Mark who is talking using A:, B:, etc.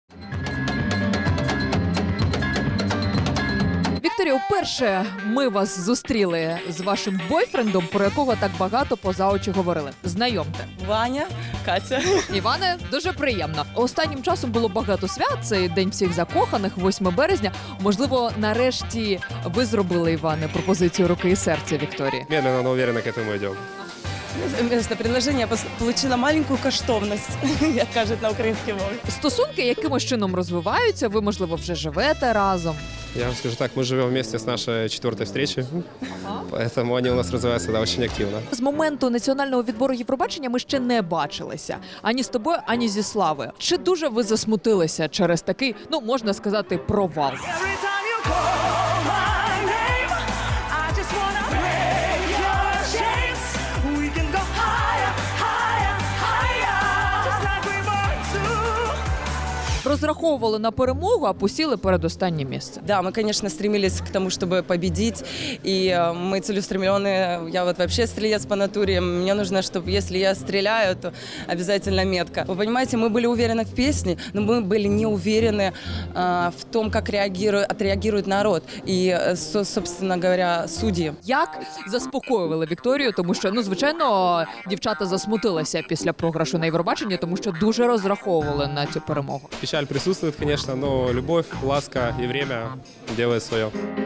A: Вікторія, вперше ми вас зустріли з вашим бойфрендом, про якого так багато поза очі говорили. Знайомте.
B: Ваня, Катя.
A: Іване, дуже приємно. Останнім часом було багато свят, це День всіх закоханих, 8 березня. Можливо, нарешті ви зробили, Іване, пропозицію руки і серця Вікторії?
C: Медленно, но уверенно к этому идем.
B: Вместо предложения получила маленькую коштовность, як кажуть на українській мові.
A: Стосунки якимось чином розвиваються, ви, можливо, вже живете разом.
C: Я вам скажу так, мы живем вместе с нашей 4-й встречи, поэтому они у нас развиваются очень активно.
A: З моменту національного відбору Євробачення ми ще не бачилися. Ані з тобою, ані зі Славою. Чи дуже ви засмутилися через такий, ну, можна сказати, провал? Розраховували на перемогу, а посіли передостаннє місце.
B: Да, мы, конечно, стремились к тому, чтобы победить, и мы целеустремленные. Я вот вообще стрелец по натуре. Мне нужно, чтобы если я стреляю, то обязательно метко. Вы понимаете, мы были уверены в песне, но мы были не уверены в том, как отреагирует народ и, собственно говоря, судьи.
A: Як заспокоювали Вікторію, тому що, ну, звичайно, дівчата засмутилися після програшу на Євробаченні, тому що дуже розраховували на цю перемогу.
C: Печаль присутствует, конечно, но любовь, ласка и время делают свое.